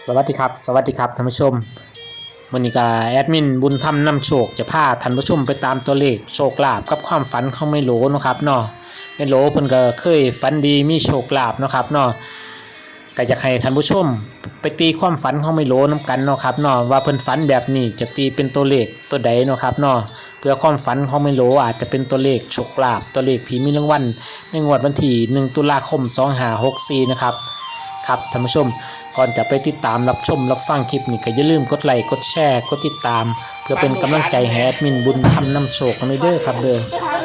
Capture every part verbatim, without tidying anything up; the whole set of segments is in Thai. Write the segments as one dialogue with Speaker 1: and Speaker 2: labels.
Speaker 1: สวัสดีครับสวัสดีครับท่านผู้ชมวันนี้ก็แอดมินบุญธรรมนำโชคจะพาท่านผู้ชมไปตามตัวเลขโชคลาภกับความฝันของไม่โหลนะครับเนาะไม่โหลเพิ่นก็เคยฝันดีมีโชคลาภนะครับเนาะก็อยากให้ท่านผู้ชมไปตีความฝันของไม่โหลนํกันเนาะครับเนาะว่าเพิ่นฝันแบบนี้จะตีเป็นตัวเลขตัวใดเนาะครับเนาะเพื่อความฝันของไม่โหลอาจจะเป็นตัวเลขโชคลาภตัวเลขที่มีรางวัลในงวดวันที่หนึ่งตุลาคมสองพันห้าร้อยหกสิบสี่นะครับครับท่านผู้ชมก่อนจะไปติดตามรับชมรับฟังคลิปนี้ก็อย่าลืมกดไลค์กดแชร์กดติดตามเพื่อเป็นกำลังใจให้แอดมินบุญธรรมนำโชคกันเด้อครับเด้อ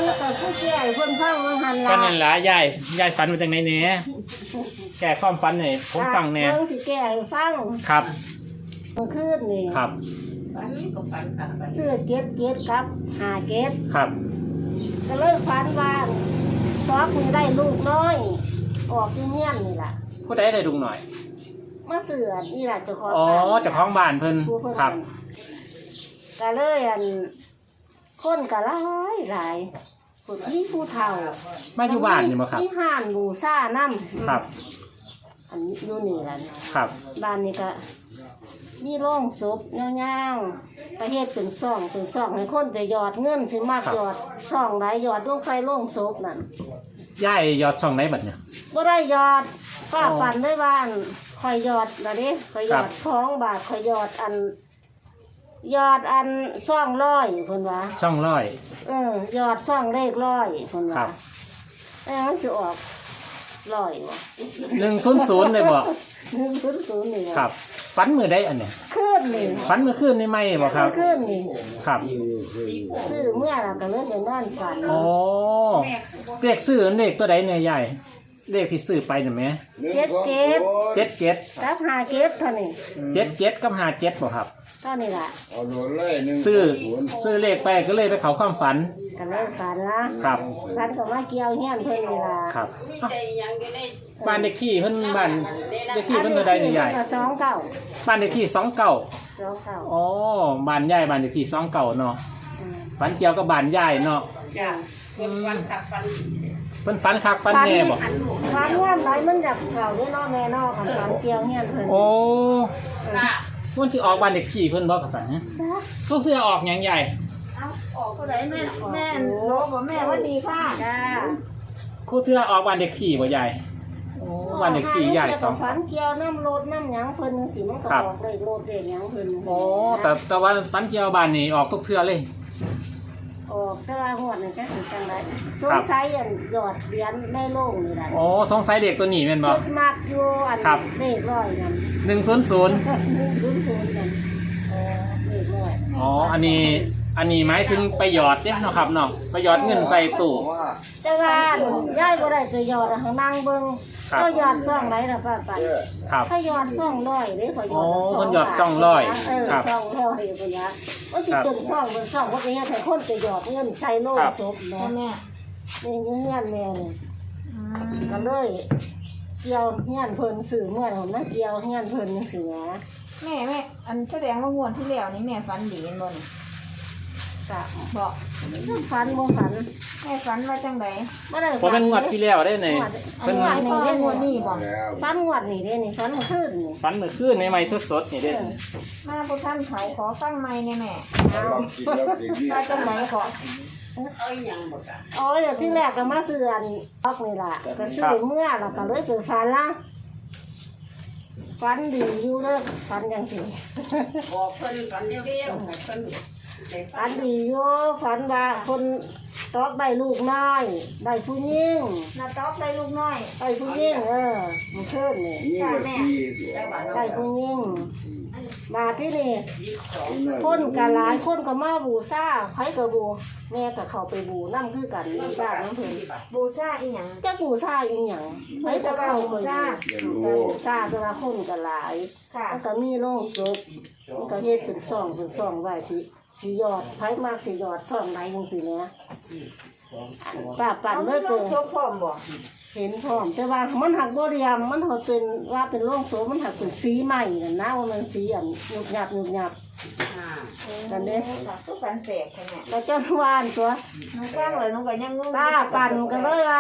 Speaker 1: ก็นั่นล่ะยายยายฝันมาจากไหนแหน่แก้ความฝันให้ผมฟังแหน่
Speaker 2: เพิ่งสิแก้ให้ฟัง
Speaker 1: ครับ
Speaker 2: เมื่อคืนนี่
Speaker 1: ครับ
Speaker 3: ฝันก็ฝันค่ะ
Speaker 2: เสื้อเก็บเก็บครับหาเก็บ
Speaker 1: ครับ
Speaker 2: ก็เลยฝันว่าตอกมีได้ลูกน้อยออกที่เงี้ยนนี่ล่ะ
Speaker 1: ผู้ใดได้ดุงหน่อย
Speaker 2: มาเสือนี่ล่ะเจ้าของ
Speaker 1: อ๋อเจ้าของบ้านเพิ่นครับ
Speaker 2: ก็เลยอันคนก็หลายหลายผู้ที่ผู้เฒ่า
Speaker 1: มาอยู่บ้านนี่บ่ครับ
Speaker 2: ที่ห่านบูซ่าน้
Speaker 1: ำครับ
Speaker 2: อันนี้อยู่นี่ล่ะ
Speaker 1: ครับ
Speaker 2: บ้านนี้ก็มีโรงศพย่างๆประเทศเป็นซ่องเป็นซ่องให้คนไปหยอดเงินสิมากหยอดซ่องไหนหยอดลงใส่โรงศพนั่น
Speaker 1: ยายหยอดช่องไหนบัดเนี่ย
Speaker 2: บ่ได้หยอดป้าปั่นได้บ้านคอยหยอดละเด้คอยหยอดสองบาทคอยหยอดอันหยอดอันซ่องร้อยเพิ่นว่า
Speaker 1: ช่องร้อย
Speaker 2: เออหยอดซ่องเลขร้อยเพิ่นว่าเอ้มันสิออกร้อยบ่
Speaker 1: หนึ่งศูนย์ศูนย์เลยบ่
Speaker 2: หนึ่งศูนย์ศูนย์นี่
Speaker 1: ครับฝันมื้อใดอันเนี้ย
Speaker 2: คืนนี่
Speaker 1: ฝันมื้อคืนนี่ไม่บ่ครับ
Speaker 2: คืนนี่
Speaker 1: ครับ
Speaker 2: ซื้อเมื่อน่ะก็เลยไปนอนฝัน
Speaker 1: อ๋อเลขซื้อเลขตัวใดเนี่ยยายเลขที่ซื้อไปน่ะแม่
Speaker 2: เจ็ดเจ็ด
Speaker 1: เจ็ดเจ็ด
Speaker 2: กับห้าเจ็ดเท่านี้
Speaker 1: เจ็ดเจ็ดกับห้าเจ็ดบ่ครับ
Speaker 2: เท่านี้ล่ะ
Speaker 1: ซื้อซื้อเลขไปก็เลยไปเข้าความฝัน
Speaker 2: ก็เลยฝันละ
Speaker 1: ครับ
Speaker 2: ฝันก็มาเกี่ยวเฮียนเพิ่นนี่ล่ะ
Speaker 1: ครับบ้านเลขที่เพิ่นบ้านเลขที่เพิ่นตัวใดเนี่ยยาย
Speaker 2: สองเก้า
Speaker 1: บ้านเลขที่สองเก้า
Speaker 2: สองเก้า
Speaker 1: อ๋อบ้านยายบ้านเลขที่สองเก้าเนาะฝันเกี่ยวกับบ้านยายเนาะ
Speaker 3: จ้ะเพิ่นฝันคักฝัน
Speaker 1: เพิ่นฝันคักฝันแน่บ่
Speaker 2: ฝันเฮียนไหนมันอยากเก่าด้วยเนาะแม่เนาะคันฝันเกี่ยวเฮียนเพิ่น
Speaker 1: โอ้มันสิออกบ้านเลขที่เพิ่นบ่กะซั่นฮะทุกเทื่อออกหยังใหญ่
Speaker 2: เอาออกผู้ใดแม่แม่โลบ่แม่ว่าดีค่ะจ้า
Speaker 1: คู่เทื่อออกบ้านเลขที่บ่ใหญ่โอ้บ้านเลขที่ใหญ่สอง
Speaker 2: ฝันเกี่ยวน้ำรถน้ำหยังเพิ่นจังซี่มันก็ออกเลยรถเลขหยังเพิ่น
Speaker 1: โอ้แต่แต่ว่าฝันเกี่ยวบ้านนี่ออกทุกเทื่อเลย
Speaker 2: ออกแต่ว่าหวดนึงจักสิจังได๋สงสัยอันยอดเหรียญในโลงนี่ล่ะ
Speaker 1: โอ้สงสัยเลขตัวนี้แม่นบ่
Speaker 2: มักอยู่อันเลขร้อยนั่น
Speaker 1: หนึ่งศูนย์ศูนย์
Speaker 2: หนึ่งศูนย์ศูนย์นั่นเออเลขร้อย
Speaker 1: อ๋ออันนี้อันนี้หมายถึงไปหยอดเด้เนาะครับเนาะไปหยอดเงินใส่ตู้
Speaker 2: แต่ว่ายายบ่ได้ไปหยอดข้างนั่งเบิ่งก็หยอดซ่องไหนล่ะป้าปัน
Speaker 1: ครับ
Speaker 2: ถ้าหยอดซ่องร้อยเด้ขอหยอด
Speaker 1: อ๋อคนหยอดซ่องร้อย
Speaker 2: ครับซ่องร้อยพุ่นนะว่าสิเป็นซ่องเป็นซ่องว่าเป็นให้คนไปหยอดเงินใส่โลงศพแม่แม่นี่เงี้ยนแม่นี่ก็เลยเกี่ยวเงี้ยนเพิ่นซื้อเมื่อนั้นมาเกี่ยวเงี้ยนเพิ่นจังซี่นะ
Speaker 4: แม่แม่อันแสดงว่างวดที่แล้วนี่แม่ฝันดีแม่นบ่นี่
Speaker 2: ก็
Speaker 4: บอก
Speaker 2: ฝันบ่ฝัน
Speaker 4: แม่ฝันว่าจังได๋
Speaker 2: บ่ได้
Speaker 1: บ่เป็นงวดที่แล้วได้นี่
Speaker 2: เพิ่นว่าในงวดนี้บ่ฝันงวดนี้เด้นี่ฝันเมื่อคืนนี่
Speaker 1: ฝันเมื่อคืนใหม่ๆสดๆนี่เด้
Speaker 4: มาบ่ทันเขาขอฟังใหม่แน่แม่ว่าจังได๋ขอ
Speaker 3: เอาอีหยังบ่จ้ะ
Speaker 2: อ๋ออย่างที่แรกก็มาซื้ออันออกนี่ล่ะก็ซื้อเมื่อแล้วก็เลยซื้อฝันละฝันดีอยู่เด้อฝันจังซี่
Speaker 3: บอกเพิ่นฝันเร็วๆให้เพิ่น
Speaker 2: ฝันดีอยู่ฝันว่าคนตอกได้ลูกน้อยได้ผู้หญิง
Speaker 4: น่ะตอกได้ลูกน้อย
Speaker 2: ได้ผู้หญิงเออมันเพิ่นนี่
Speaker 4: ใช่แม่
Speaker 2: ได้ผู้หญิงมาที่นี่คนก็หลายคนก็มาบูชาไผก็บูแม่ก็เข้าไปบูนำคือกันบูชาน้ำเพิ่น
Speaker 4: บูชาอีหยัง
Speaker 2: จักบูชาอีหยังไผก็เข้าบูชาบูชาแต่ละคนก็หลายแล้วก็มีโรงศพมันก็เฮ็ดเป็นซ่องเป็นซ่องไว้สิสิยอดไผมากสิยอดซ่องไหนจังซี่แหละป้าปั่นเลยเกิน
Speaker 4: โชคพร้อมบ่
Speaker 2: เห็นพร้อมแต่ว่ามันหักบ่เรียมมันเขาเป็นว่าเป็นโรงโสมันหักเป็นสีใหม่นั่นนะว่ามันสีอันหยุบหยับหยุบหยับ
Speaker 3: อ่า
Speaker 2: นั่นเด้
Speaker 4: ก็ฝันแปลกแค่นี้
Speaker 2: แล้วเจ้าว่านตัว
Speaker 4: น้องฟังเลยน้องก็ยังงง
Speaker 2: ป้าปั่นก็เลยว่า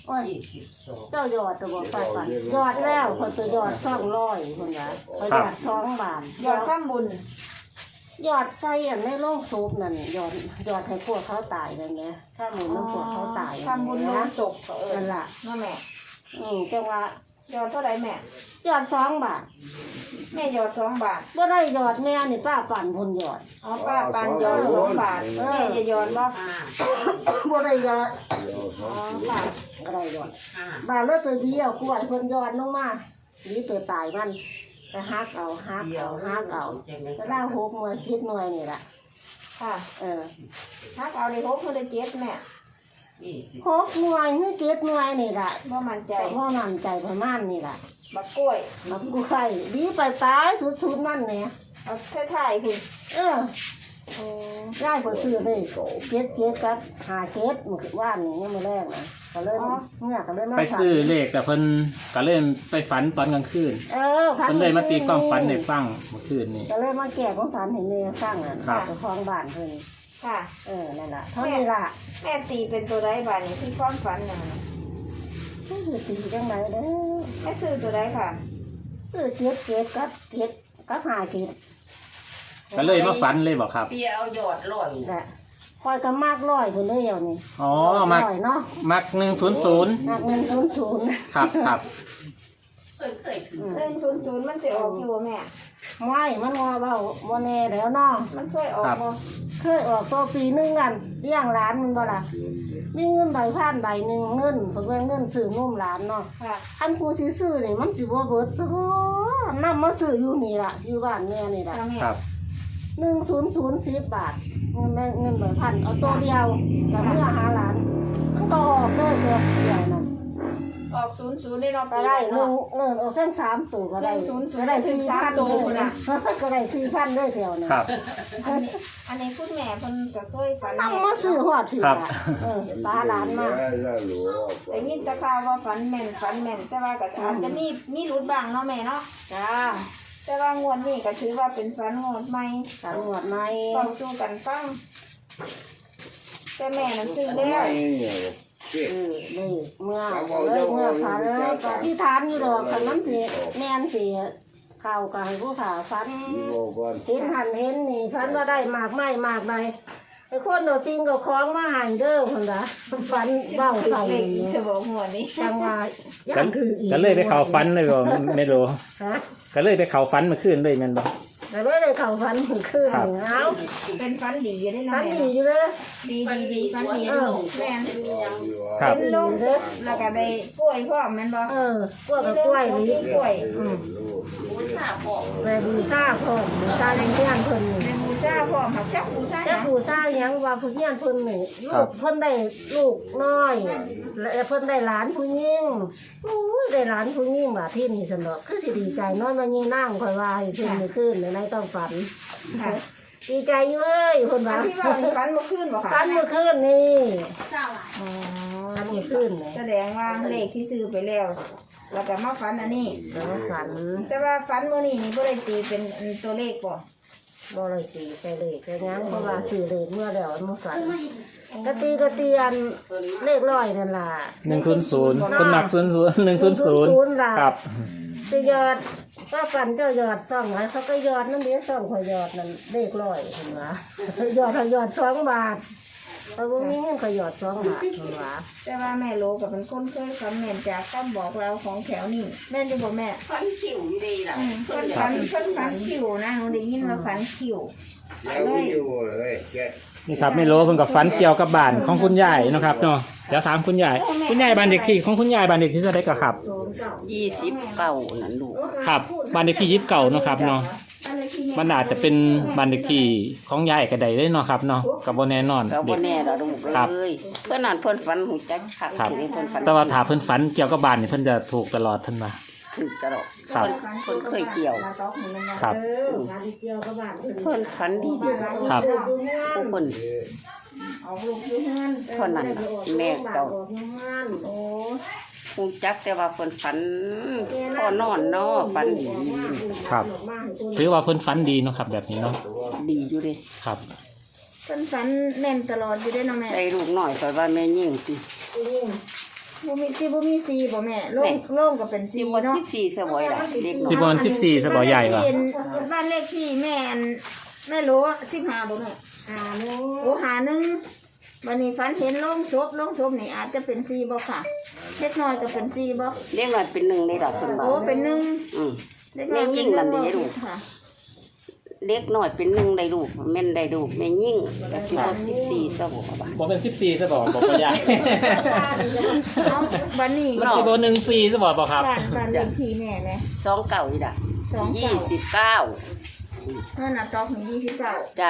Speaker 2: โอ้ย
Speaker 3: ยี่สิบสอง
Speaker 2: เจ้ายอดตัวบ่ไปไปยอดแล้วคนตัวยอดสองร้อยคนละไปยอดสองบาท
Speaker 4: ยอดข้ามบุญ
Speaker 2: ยอดใส่อันในโรงศพนั่นยอดยอดให้พวกเขาตายอะไรเงี้ยถ้าหนูน้ำพวกเขาตาย
Speaker 4: ข้ามบุญโล
Speaker 2: นะ
Speaker 4: งศพเออ
Speaker 2: นั่นล่ะ
Speaker 4: เนาะแม่
Speaker 2: อืมจังว่าย
Speaker 4: อดเท่าไหร่แม่
Speaker 2: ยอดสองบาท
Speaker 4: แม่ยอดสองบาท
Speaker 2: บ่ได้ยอดแม่นี่ป้าปั่นคนยอด
Speaker 4: อ๋อป้าปันยอดสองบาทแม่จะยอดบ่
Speaker 3: ห้า
Speaker 2: บ่ได้ยอด
Speaker 4: อ๋อค่ะ
Speaker 2: บ่ได้ยอด
Speaker 3: ห้า
Speaker 2: บาเลิกตัวเดียวกล้วยเพิ่นยอดลงมานี่ตัวตายมันไปฮักเอาฮัก
Speaker 3: เดีย
Speaker 2: เอา
Speaker 3: ว
Speaker 2: ฮักเอาก็ได้หกหน่วยคิดหน่วยนี่แหละ
Speaker 4: ค่ะ
Speaker 2: เออ
Speaker 4: ทักเอาเลยหกเขาเลยเจ็ดแม่
Speaker 3: ยี่สิบ
Speaker 2: หกหน่วยนี่เจ็ดหน่วยนี่แหละ
Speaker 4: บ่มั่นใจ
Speaker 2: แต่ว่ามั่นใจประมาณนี่แหละ
Speaker 4: บักกล้วย
Speaker 2: มากูไข่ดีไปตายสุดๆมันเนี่ย
Speaker 4: เอาถ่ายๆคุณ
Speaker 2: เออ
Speaker 4: โอ้
Speaker 2: ได้ผลซื้อเลยเจ็ดเจ็ดกับหาเจ็ดมันคือว่านนี่ยังไม่แรกนะก็เลยเมื่อก็เลยมา
Speaker 1: ไปซื้อเลขแต่เพิ่นก็เล่นไปฝันตอนกลางคืน
Speaker 2: เออ
Speaker 1: เพิ่นเลยมาตีความฝันในฟังเมื่อคืนนี้
Speaker 2: ก็เลยมาแก่ของฝันเห็นเลยฟังอ่ะ
Speaker 1: ครับ
Speaker 2: ไปคลองบ้านเพิ่น
Speaker 4: ค่ะ
Speaker 2: เออนั่นแหละเท่านี้ล่ะ
Speaker 4: แม่ตีเป็นตัวไรบาทนี่ที่ความฝันน่ะ
Speaker 2: ซื้อตีจังไหนเด้อ
Speaker 4: แม่ซื้อตัวไรค่ะ
Speaker 2: ซื้อเจ็ดเจ็ดกับเจ็ดกับหาเจ็ด
Speaker 1: ก็เลยมาฝันเลยบอกครับ
Speaker 3: เตียเอายอดลอย
Speaker 2: แหละคอยก็มากร้อยคนเดียวนี่
Speaker 1: อ๋อมัก
Speaker 2: ร้อยเนาะ
Speaker 1: มักหนึ่งศูนย์ศูนย์
Speaker 2: มากเงินศูนย์ศูนย์
Speaker 1: ครับครับ
Speaker 3: เคยเคยถือ
Speaker 4: เล่นศูนย์ศูนย์มันจะออกอยู่บ่แม่
Speaker 2: ไม่มันงอเบาโมเน่แล้วเนาะ
Speaker 4: มันเคยออกบ่
Speaker 2: เคยออกตัวปีหนึงกันเลี้ยงร้านมันบ่ล่ะมีเงินใบพันใบหนึ่งเงินเพิ่นว่าเงินซื้อนมร้านเนาะ
Speaker 4: ค่ะ
Speaker 2: อันผู้สิซื้อนี่มันสิบ่เบิดซะบ่นำมาซื้ออยู่นี่ล่ะอยู่บ้านแม่นี่ล่ะ
Speaker 4: ค่ะแม่
Speaker 1: ครับ
Speaker 2: หนึ่งศูนย์ศูนย์สิบบาทเงินแม่เงินใบพันเอาตัวเดียวแล้วเมื่อหาร้านมันก็ออกเลยตัวเดียวนั่น
Speaker 4: ออกศูนย์ศูนย์ได้เนาะ
Speaker 2: ก็ได้หนึ่งเงินเอาเส้นสามตัวก็ได้
Speaker 4: หนึ่งศูนย์ศูนย์
Speaker 2: ก็ได้สี่พัน
Speaker 4: ตัว
Speaker 2: เลย
Speaker 4: น่ะ
Speaker 2: ก็ได้สี่พันเลยเดียวนึง
Speaker 1: ครับ
Speaker 4: อันนี้อันนี้คุณแม่เพิ่นก็เคยฝัน
Speaker 2: นำมาซื้อหอดถือ
Speaker 1: ครับ
Speaker 2: อะเออปลาหลานมา
Speaker 4: ได้ยินแต่ข่าวว่าฝันแม่นฝันแม่นแต่ว่าก็อาจจะมีมีหลุดบ้างเนาะแม่เนาะ
Speaker 2: จ้า
Speaker 4: แต่ว่างวดนี้ก็ถือว่าเป็นฝันงวดใหม่
Speaker 2: สารหวดใน
Speaker 4: ต่อสู้กันฟังแต่แม่นั้นซื้อแล้ว
Speaker 2: เออนี่เมื่อเลยเมื่อผ่านแล้วก็ที่ทานอยู่ดอกคันนั้นสิแม่นสิข่าวก็ให้ผู้ขาฟันเห็นหันเห็นนี่ฟันว่าได้มากไม่มากใดไอ้คนเอาสิ่งกับของมาให้เด้อคนละฟันเบ้าไป
Speaker 4: เลข
Speaker 2: นี่
Speaker 4: จะบอกงวดนี้
Speaker 2: จังว่า
Speaker 1: ก็
Speaker 2: ยังคืออีก
Speaker 1: ก็เลยไปเข้าฝันเลยบ่ไม่รู้
Speaker 2: ฮะ
Speaker 1: ก็เลยไปเข้าฝันเมื่อคืนเลยแม่นบ่
Speaker 2: แต่ไม่ได้เข้าฟันถึงคืน
Speaker 1: ครับ
Speaker 2: เอา
Speaker 4: เป็นฟันดีอยู่ได้
Speaker 2: ฟั
Speaker 4: เนาะ
Speaker 2: น
Speaker 4: แม่
Speaker 2: ดีอยู่เลย
Speaker 4: ดีดีดีฟันดี
Speaker 2: เออ
Speaker 4: แม่
Speaker 1: ครับ
Speaker 4: เป็นลมแล้วก็ได้กล้วยพร้อมแม่นบ่
Speaker 2: เออ กล้วยกับกล้วย
Speaker 4: มี
Speaker 2: นี่
Speaker 4: กล้วย
Speaker 2: อืม
Speaker 3: บูชาบอก
Speaker 2: แต่บูซ่าพ่อบูซ่าในเงี้ยนเพิ่นนี่
Speaker 4: ในบูชาพร้อมหักจักบูชาห
Speaker 2: แต่
Speaker 4: ยัง
Speaker 2: บูซ่าหยังว่าผู้เงี้ยนเพิ่นนี่ลู
Speaker 1: ครับ
Speaker 2: กเพิ่นได้ลูกน้อย และเพิ่นได้หลานผู้หญิงโอ้ยได้หลานผู้หญิงว่าที่นี่สนอกคือสิดีใจน้อยมายิงนั่งคอยว่าให้เพิ่นมื้อคืนในต้องฝัน
Speaker 4: ค่ะ
Speaker 2: ดีใจอยู่เอ้ยเพิ่น
Speaker 4: อั
Speaker 2: ว่าน
Speaker 4: ที่ว่ามีฟันเมื่อคืนบ่ค่ะ
Speaker 2: ฝันเมื่อคืนนี่
Speaker 4: อ๋อ
Speaker 2: ฝันเมื่อคืนนี่
Speaker 4: แสดงว่าเลขที่ซื้อไปแล้ว แล้วก็มาฝันอันนี้
Speaker 2: แล้วฝัน
Speaker 4: แต่ว่าฝันมื้อนี้นี่บ่ได้ตีเป็นตัวเลขบ่
Speaker 2: บ่เลยตีใส่เลขแต่ยังเพราะว่าซื้อเลขเมื่อแล้วมันฝันกะตีกะเตียนเลขร้อยนั่นล่ะ
Speaker 1: หนึ่งศูนย์ศูนย์คนมักศูนย์ศูนย์หนึ่งศูนย์ศูนย์
Speaker 2: ล่ะ
Speaker 1: ครับ
Speaker 2: จะยอดก็ฝันเจ้ายอดซ่องไว้เขาก็ยอดนั่นเดียวซ่องเขายอดนั่นเลขร้อยเห็นไหมยอดเขายอดสองบาทเขาบ่มีเงินเขายอดสองบาทเห็นไหม
Speaker 4: แต่ว่าแม่โลก็เป็นคนเคยฝันแม่นจากคำบอกเราของแถวนี้แม่นอยู่บ่แม่
Speaker 3: ฟันขิวอยู่ดีล่ะ
Speaker 4: อืม
Speaker 3: เพิ่
Speaker 4: เพิ่
Speaker 3: น
Speaker 4: น
Speaker 3: ฝั
Speaker 4: ฝั
Speaker 3: น
Speaker 4: นเพิ่นฝันคิวนะหนูได้ยินว่าฝันคิว
Speaker 1: นี่ครับไม่รู้เพิ่นกับฝันเกี่ยวกับบ้านของคุณยายเนาะครับเนาะเดี๋ยวถามคุณยายคุณยายบ้านเด็กที่ของคุณยายบ้านเด็กที่เท่าไดก็ครับ
Speaker 2: ศูนย์เก้า
Speaker 3: ยี่สิบเก้านั่นลูก
Speaker 1: ครับบ้านเด็กที่ยิบเก่าเนาะครับเนาะมันอาจจะเป็นบ้านเด็กที่ของยายก็ได้เลยเนาะครับเนาะกับบ่แน่นอน
Speaker 3: ก็
Speaker 1: เด็
Speaker 3: บ่
Speaker 1: ก
Speaker 3: แน่ดอกลูก
Speaker 1: ครับ
Speaker 3: เอ้ยเพิ่นนั่นเพิ่นฝันหูจักคัก
Speaker 1: ครับ
Speaker 3: ทีนี้เพิ่นฝัน
Speaker 1: แต่ว่าถ้าเพิ่นฝันเกี่ยวกับบ้านนี่เพิ่นจะถูกตลอดเพิ่นว่า
Speaker 3: ถึกตลอด
Speaker 1: ครับ
Speaker 3: เพิ่นเคยเกี่ยว
Speaker 1: ครับ
Speaker 2: เออมาที่เกี่ยวกับบ้าน
Speaker 3: เพิ่นฝันดีดี
Speaker 1: ครับ
Speaker 3: ผู้เพิ่น
Speaker 4: ออกลูกอยู่เฮือน
Speaker 3: เท่านั้นแม่เก่า
Speaker 4: โอ้
Speaker 3: หูจักแต่ว่าเพิ่นฝันพ่อนอนเนาะฝันดี
Speaker 1: ครับถือว่าเพิ่นฝันดีเนาะครับแบบนี้เนาะ
Speaker 3: ดีอยู่เด้
Speaker 1: ครับ
Speaker 4: เพิ่นฝันแม่นตลอดอยู่ได้อเนาะแม่
Speaker 3: ได้ลูกน้อยก็ว่าแม่ยิ่งสิ
Speaker 4: บ่มีสิบ่มีสีบ่แม่โล่งโล่งก็เป็นสี
Speaker 3: สิบ่
Speaker 4: เนาะ
Speaker 3: สิบสี่สบอยล่ะเด็ก
Speaker 1: สิบ
Speaker 3: น้
Speaker 1: วั
Speaker 3: อย
Speaker 1: นสิบสี่สบอใหญ่ป่ะ
Speaker 4: บ้านเลขที่แม่นแม่โลสิบห้าบ่แม่
Speaker 2: อ่าโน้
Speaker 4: โอ้หาหนึ่งวันนี้ฝันเห็นโล่งศพโล่งศพนี่อาจจะเป็นสีบ่ค่ะเล็กน้อยก็เป็นสีบ่
Speaker 3: เด็กน้อยเป็นหนึ่งในดอกเพิ่นว่า
Speaker 4: โอ้เป็นหนึ่ง
Speaker 3: อืม
Speaker 4: เล็กน้อย
Speaker 3: แม่ยิ่งนั่นเด้ลูก
Speaker 4: ค่ะ
Speaker 3: เด็กน้อยเป็นหนึ่งได้ลูกแม่นได้ลูกแม่ยิ่งก็สิบ่สิบสี่สบอยบ่
Speaker 1: บอกเป็นสิบสี่ซะบอกบอกว่าใหญ่
Speaker 4: เอาวันนี้
Speaker 1: มันสิบหนึ่งสี่ซะบอกบอกครับ
Speaker 4: บ้านบ้านเลขที่แม่ไหม
Speaker 3: สองเก้าอีด่ะ
Speaker 4: สอง
Speaker 3: ยี่
Speaker 4: เก้า
Speaker 3: สิบเก้า
Speaker 4: เงินนับต่อถึงยี่สิบเก้า
Speaker 3: จ้ะ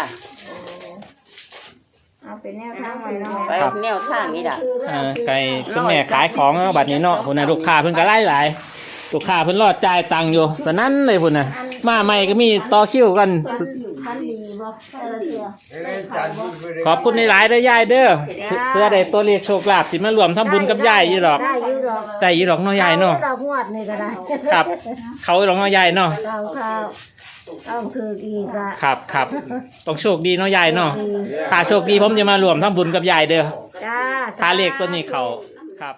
Speaker 4: เอาเป็นแนวทางไว้เนาะ
Speaker 3: ไปแนวทางนี้ด่ะ
Speaker 1: เออไก่คุณแม่ขายของเนาะบัดนี้เนาะพุ่นน่ะลูกค้าเพิ่นก็ไล่หลายลูกค้าเพิ่นรอจ่ายตังค์อยู่ตอนนั้นเลยพุ่นน่ะมาใหม่ก็มีต่อคิวกัน
Speaker 4: พันดีบ่แต่ละเทื่อ
Speaker 1: ขอบคุณในหลายๆเด้อยายเด้อเพื่อได้ตัวเลขโชคลาภสิมารวมทำบุญกับยายอยู่ดอก
Speaker 2: ได้อยืดหรอก
Speaker 1: ได้อยู่ดอกเนาะยายเนาะ
Speaker 2: เราหวดนี่ก็ได้
Speaker 1: ครับ เขาดอกเนาะยายเนาะ
Speaker 2: เราข้าวเอาคืออีกอะ
Speaker 1: ครับครับต้องโชคดีเนาะยายเนาะถ้าโชคดีผมจะมารวมทำบุญกับยายเด้อ
Speaker 2: จ้า
Speaker 1: ถ้าเลขตัวนี้เขาครับ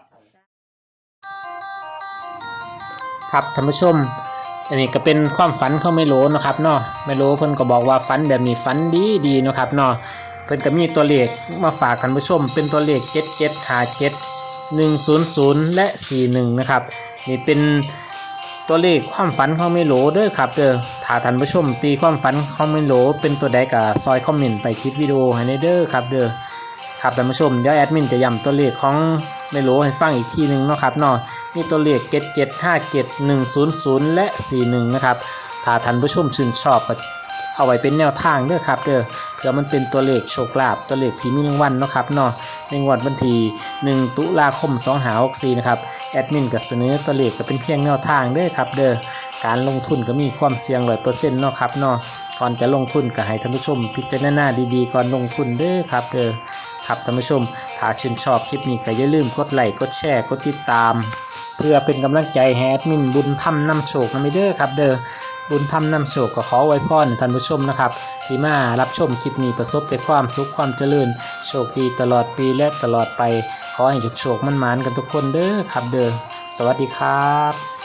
Speaker 1: ครับท่านผู้ชม อันนี้ก็เป็นความฝันเขาไม่โลนะครับเนาะไม่โลเพิ่นก็บอกว่าฝันแบบนี้ฝันดีดีๆนะครับเนาะเพิ่นก็มีตัวเลขมาฝากท่านผู้ชม เป็นตัวเลขเจ็ดเจ็ดห้าเจ็ด หนึ่งศูนย์ศูนย์และสี่สิบเอ็ดนะครับนี่เป็นตัวเลขความฝันของไม่โลเด้อครับเด้อถ้าท่านผู้ชมตีความฝันของไม่โลเป็นตัวใดก็ซอยคอมเมนต์ไปคลิปวิดีโอให้ในเด้อครับเด้อครับท่านผู้ชมเดี๋ยวแอดมินจะย้ำตัวเลขของไม่โลให้ฟังอีกทีหนึ่งเนาะครับเนาะนี่ตัวเลขเจ็ดเจ็ดห้าเจ็ด หนึ่งศูนย์ศูนย์และสี่สิบเอ็ดนะครับถ้าท่านผู้ชมชื่นชอบก็เอาไว้เป็นแนวทางเด้อครับเด้อเพื่อมันเป็นตัวเลขโชคลาภตัวเลขที่มีรางวัลเนาะครับเนาะในงวดวันที่หนึ่งตุลาคมสองห้าหกสี่นะครับแอดมินก็เสนอตัวเลขก็เป็นเพียงแนวทางเด้อครับเด้อการลงทุนก็มีความเสี่ยง ร้อยเปอร์เซ็นต์ เนาะครับเนาะก่อนจะลงทุนก็ให้ท่านผู้ชมพิจารณาดีๆก่อนลงทุนเด้อครับเด้อครับท่านผู้ชมถ้าชื่นชอบคลิปนี้ก็อย่าลืมกดไลค์กดแชร์กดติดตาม เพื่อเป็นกำลังใจให้แอดมินบุญธรรมนำโชคนำเด้อครับเด้อบุญธรรมนำโชคก็ขอไว้พรท่านผู้ชมนะครับที่มารับชมคลิปนี้ประสบแต่ความสุขความเจริญโชคดีตลอดปีและตลอดไปขอให้โชคๆมั่นๆกันทุกคนเด้อครับเด้อสวัสดีครับ